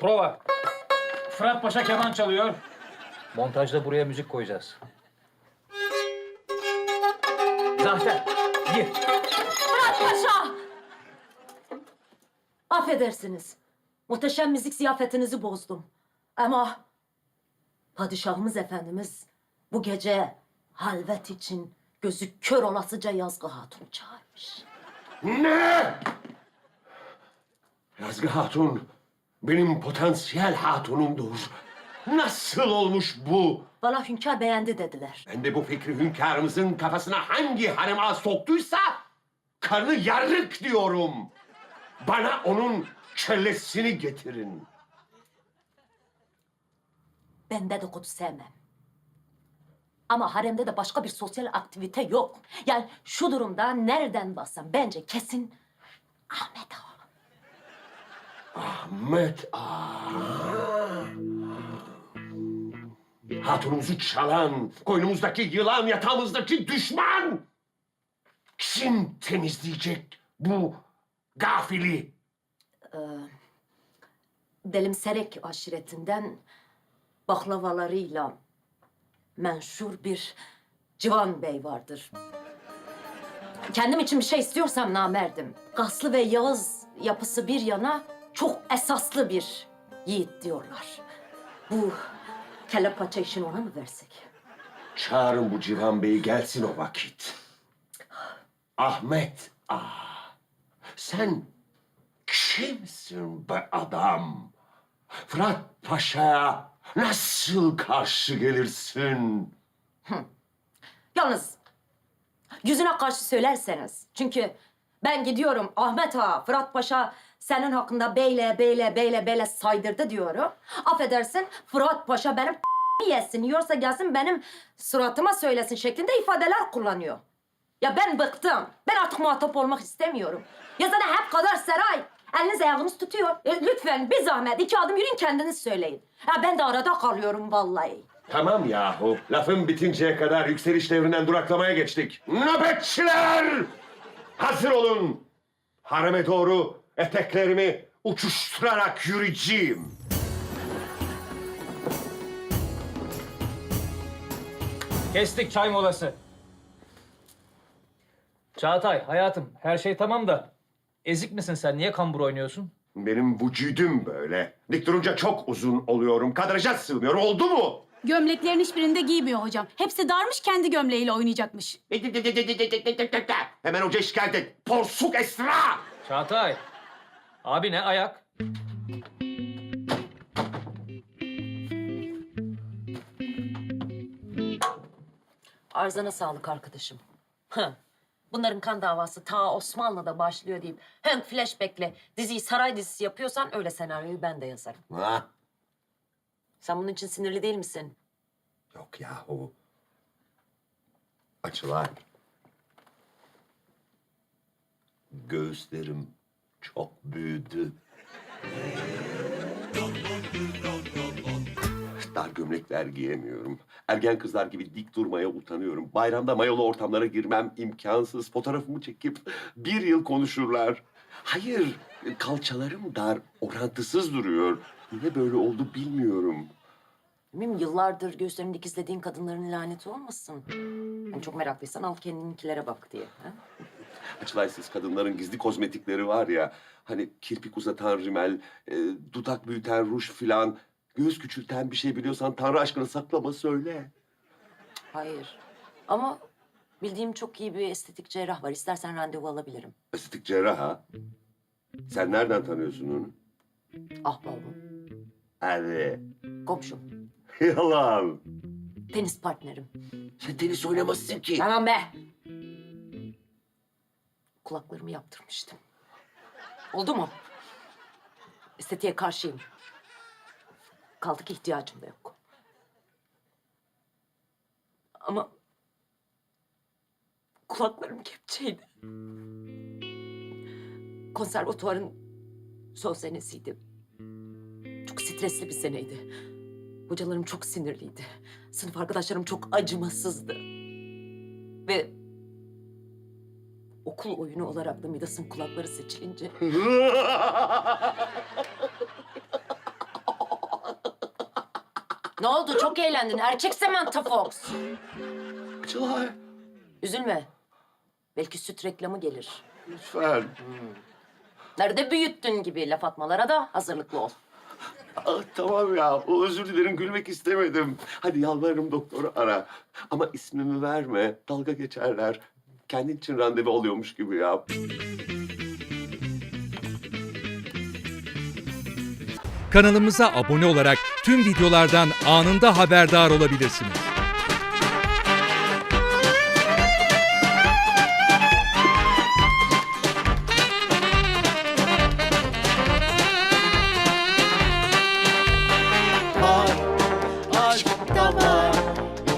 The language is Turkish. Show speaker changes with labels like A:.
A: Prova. Fırat Paşa keman çalıyor. Montajda buraya müzik koyacağız. Zafer, gir.
B: Fırat Paşa! Affedersiniz. Muhteşem müzik ziyafetinizi bozdum. Ama padişahımız efendimiz bu gece halvet için gözü kör olasıca Yazgı Hatun'u çağırmış.
C: Ne? Yazgı Hatun benim potansiyel hatunumdur. Nasıl olmuş bu?
B: Bana hünkâr beğendi dediler.
C: Ben de bu fikri hünkârımızın kafasına hangi harem ağ soktuysa karnı yarık diyorum. Bana onun kellesini getirin.
B: Ben dedikodu sevmem. Ama haremde de başka bir sosyal aktivite yok. Yani şu durumda nereden bassam bence kesin Ahmet Ağa.
C: Ahmet Ağa. Hatunumuzu çalan, koynumuzdaki yılan, yatağımızdaki düşman. Kim temizleyecek bu gafili?
B: Delimserek aşiretinden baklavalarıyla menşur bir Civan Bey vardır. Kendim için bir şey istiyorsam namerdim. Gaslı ve Yağız yapısı bir yana çok esaslı bir yiğit diyorlar. Bu kelle paça işini ona mı versek?
C: Çağırın bu Civan Bey'i gelsin o vakit. Ahmet Ağa, sen kimsin be adam? Fırat Paşa'ya nasıl karşı gelirsin?
B: Yalnız yüzüne karşı söylerseniz. Çünkü ben gidiyorum Ahmet Ağa, Fırat Paşa senin hakkında beyle saydırdı diyorum. Affedersin Fırat Paşa benim yesin, yiyorsa gelsin benim suratıma söylesin şeklinde ifadeler kullanıyor. Ya ben bıktım. Ben artık muhatap olmak istemiyorum. Ya zaten hep kadar saray. Eliniz ayağınız tutuyor. Lütfen bir zahmet 2 adım yürüyün kendiniz söyleyin. Ya ben de arada kalıyorum vallahi.
C: Tamam yahu, lafın bitinceye kadar yükseliş devrinden duraklamaya geçtik. Nöbetçiler! Hazır olun. Hareme doğru eteklerimi uçuşturarak yürüyeceğim.
A: Kestik çay molası. Çağatay, hayatım her şey tamam da ezik misin sen? Niye kambur oynuyorsun?
C: Benim vücudum böyle. Dik durunca çok uzun oluyorum. Kadraja sığmıyorum. Oldu mu?
D: Gömleklerin hiçbirinde giymiyor hocam. Hepsi darmış, kendi gömleğiyle oynayacakmış.
C: Hemen hoca şikayet et. Porsuk Esra!
A: Çağatay, abi ne ayak?
B: Arzana sağlık arkadaşım. Heh. Bunların kan davası ta Osmanlı'da başlıyor deyip hem flashback'le diziyi saray dizisi yapıyorsan öyle senaryoyu ben de yazarım.
C: Ha?
B: Sen bunun için sinirli değil misin?
C: Yok yahu. Açılar. Göğüslerim çok büyüdü. Dar gömlekler giyemiyorum. Ergen kızlar gibi dik durmaya utanıyorum. Bayramda mayolu ortamlara girmem imkansız. Fotoğrafımı çekip 1 yıl konuşurlar. Hayır, kalçalarım dar, orantısız duruyor. Niye böyle oldu bilmiyorum.
B: Bilmiyorum, yıllardır göğüslerini dikizlediğin kadınların laneti olmasın. Yani çok meraklıysan al kendininkilere bak diye. Ha?
C: Açılaysız kadınların gizli kozmetikleri var ya. Hani kirpik uzatan rimel, dudak büyüten ruj filan. Göğüs küçülten bir şey biliyorsan Tanrı aşkına saklama söyle.
B: Hayır. Ama bildiğim çok iyi bir estetik cerrah var. İstersen randevu alabilirim.
C: Estetik cerrah ha? Sen nereden tanıyorsun onu?
B: Ahbabım,
C: Hadi.
B: komşum,
C: Yalan.
B: tenis partnerim.
C: Sen tenis oynamazsın ki.
B: Tamam be! Kulaklarımı yaptırmıştım. Oldu mu? Estetiğe karşıyım. Kaldı ki ihtiyacım da yok. Ama kulaklarım kepçeydi. Konservatuvarın son senesiydi. Çok stresli bir seneydi. Hocalarım çok sinirliydi. Sınıf arkadaşlarım çok acımasızdı. Ve okul oyunu olarak da Midas'ın kulakları seçilince Ne oldu? Çok eğlendin. Erkek Samantha Fox.
C: Açılay,
B: Üzülme. Belki süt reklamı gelir.
C: lütfen.
B: Nerede büyüttün gibi laf atmalara da hazırlıklı ol.
C: Tamam ya, özür dilerim, gülmek istemedim. Hadi yalvarırım doktoru ara. Ama ismimi verme, dalga geçerler. Kendin için randevu alıyormuş gibi ya.
E: Kanalımıza abone olarak tüm videolardan anında haberdar olabilirsiniz.